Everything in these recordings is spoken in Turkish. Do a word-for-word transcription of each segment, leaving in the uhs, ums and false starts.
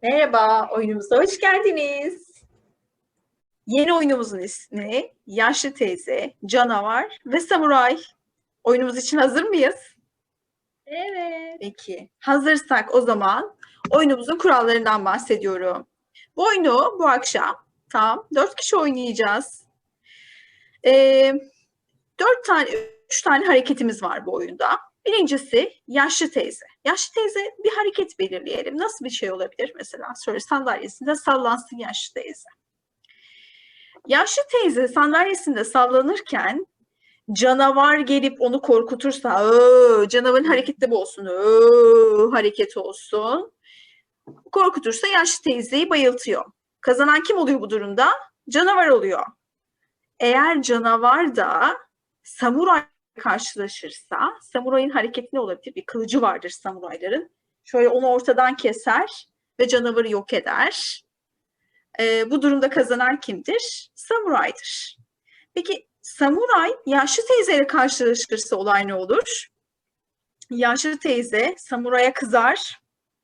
Merhaba, oyunumuza hoş geldiniz. Yeni oyunumuzun ismi Yaşlı Teyze, Canavar ve Samuray. Oyunumuz için hazır mıyız? Evet. Peki, hazırsak o zaman oyunumuzun kurallarından bahsediyorum. Bu oyunu bu akşam tam dört kişi oynayacağız. Ee, dört tane, üç tane hareketimiz var bu oyunda. Birincisi yaşlı teyze. Yaşlı teyze bir hareket belirleyelim. Nasıl bir şey olabilir mesela? Şöyle sandalyesinde sallansın yaşlı teyze. Yaşlı teyze sandalyesinde sallanırken canavar gelip onu korkutursa, "Öö", canavarın hareketi de bu olsun, "Öö", hareket olsun. Korkutursa yaşlı teyzeyi bayıltıyor. Kazanan kim oluyor bu durumda? Canavar oluyor. Eğer canavar da samuray karşılaşırsa, samurayın hareketi ne olabilir? Bir kılıcı vardır samurayların. Şöyle onu ortadan keser ve canavarı yok eder. Ee, bu durumda kazanan kimdir? Samuraydır. Peki samuray yaşlı teyzeyle karşılaşırsa olay ne olur? Yaşlı teyze samuraya kızar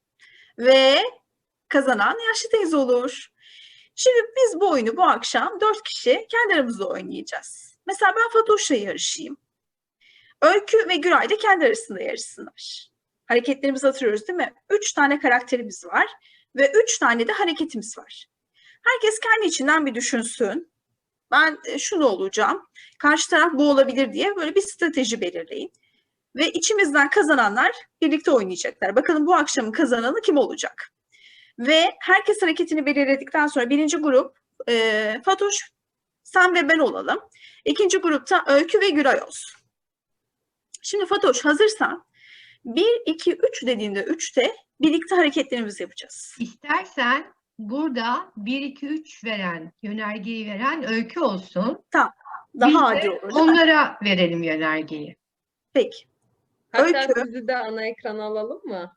ve kazanan yaşlı teyze olur. Şimdi biz bu oyunu bu akşam dört kişi kendi aramızda oynayacağız. Mesela ben Fatoş'la yarışayım. Öykü ve Güray da kendi arasında yarışsınlar. Hareketlerimizi hatırlıyoruz değil mi? Üç tane karakterimiz var ve üç tane de hareketimiz var. Herkes kendi içinden bir düşünsün. Ben şunu olacağım, karşı taraf bu olabilir diye böyle bir strateji belirleyin. Ve içimizden kazananlar birlikte oynayacaklar. Bakalım bu akşamın kazananı kim olacak? Ve herkes hareketini belirledikten sonra birinci grup e, Fatoş, sen ve ben olalım. İkinci grupta Öykü ve Güray olsun. Şimdi Fatoş hazırsan bir, iki, üç dediğinde üçte birlikte hareketlerimizi yapacağız. İstersen burada bir, iki, üç veren, yönergeyi veren Öykü olsun. Tamam. Daha Biz adil de olur değil mi? onlara verelim yönergeyi. Peki. Hatta Öykü. sizi de ana ekrana alalım mı?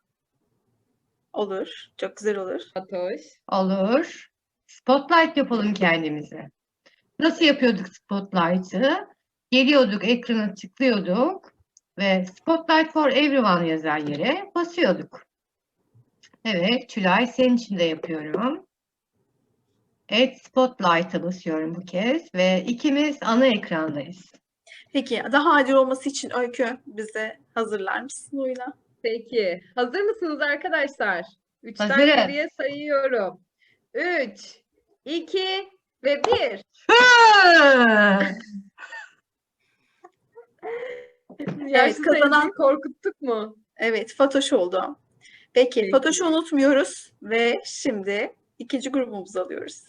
Olur. Çok güzel olur. Fatoş. Olur. Spotlight yapalım kendimize. Nasıl yapıyorduk Spotlight'ı? Geliyorduk, ekrana tıklıyorduk ve Spotlight for Everyone yazan yere basıyorduk. Evet, Tülay senin için de yapıyorum. Evet, Spotlight'a basıyorum bu kez ve ikimiz ana ekrandayız. Peki daha adil olması için Öykü bize hazırlar mısın oyuna? Peki. Hazır mısınız arkadaşlar? Üçten Hazırım. geriye sayıyorum. Üç, iki ve bir. Yaşlı kazanan- teyzeyi korkuttuk mu? Evet, Fatoş oldu. Peki, Peki. Fatoş'u unutmuyoruz ve şimdi ikinci grubumuzu alıyoruz.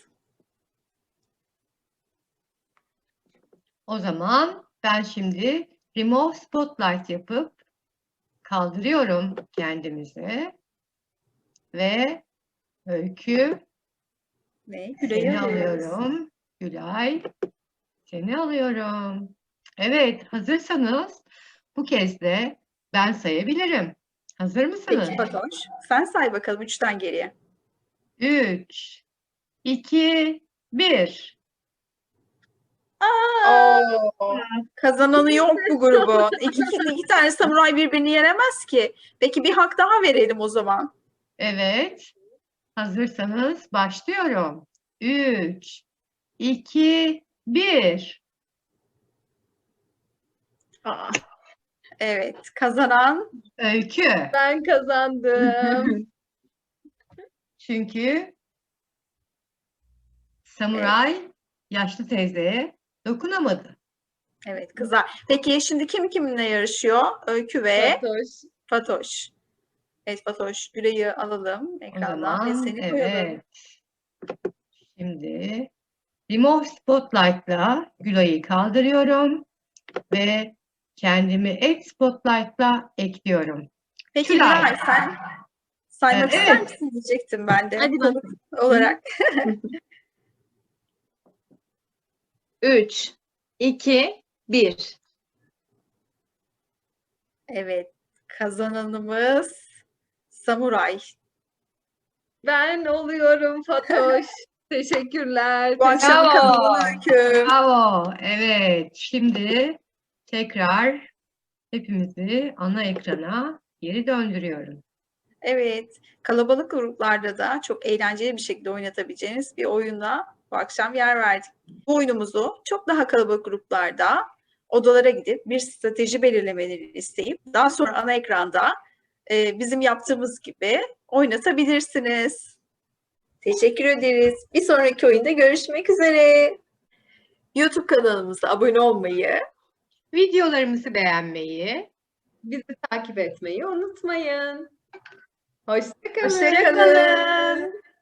O zaman ben şimdi Remove Spotlight yapıp kaldırıyorum kendimizi ve Öykü Ve seni Gülay'ı alıyoruz. alıyorum. Gülay seni alıyorum. Evet, hazırsanız bu kez de ben sayabilirim. Hazır mısınız? Peki Fatoş, sen say bakalım üçten geriye. Üç, iki, bir. Oo, kazananı yok bu grubun. İki, iki tane samuray birbirini yenemez ki. Peki bir hak daha verelim o zaman. Evet. Hazırsanız başlıyorum. Üç, iki, bir. Aa, evet, kazanan Öykü. Ben kazandım. Çünkü samuray yaşlı teyzeye dokunamadı. evet kızlar. Peki şimdi kim kiminle yarışıyor? Öykü ve Fatoş. Fatoş. Evet Fatoş, Gülay'ı alalım O ekrandan ve zaman seni koyalım. evet. Şimdi Remove Spotlight'la Gülay'ı kaldırıyorum ve kendimi Add Spotlight'la ekliyorum. Peki Tülay. Güray sen saymak Evet. ister misin diyecektim ben de. Hadi konuk olarak. Üç, iki, bir. Evet, kazananımız Samuray. Ben oluyorum Fatoş. Teşekkürler. Bu akşam Bravo. kazananı Öykü. Bravo. Evet. Şimdi tekrar hepimizi ana ekrana geri döndürüyorum. Evet, kalabalık gruplarda da çok eğlenceli bir şekilde oynatabileceğiniz bir oyuna bu akşam yer verdik. Bu oyunumuzu çok daha kalabalık gruplarda odalara gidip bir strateji belirlemelerini isteyip daha sonra ana ekranda e, bizim yaptığımız gibi oynatabilirsiniz. Teşekkür ederiz. Bir sonraki oyunda görüşmek üzere. YouTube kanalımıza abone olmayı, Videolarımızı beğenmeyi, Bizi takip etmeyi unutmayın. Hoşça kalın. hoşça kalın.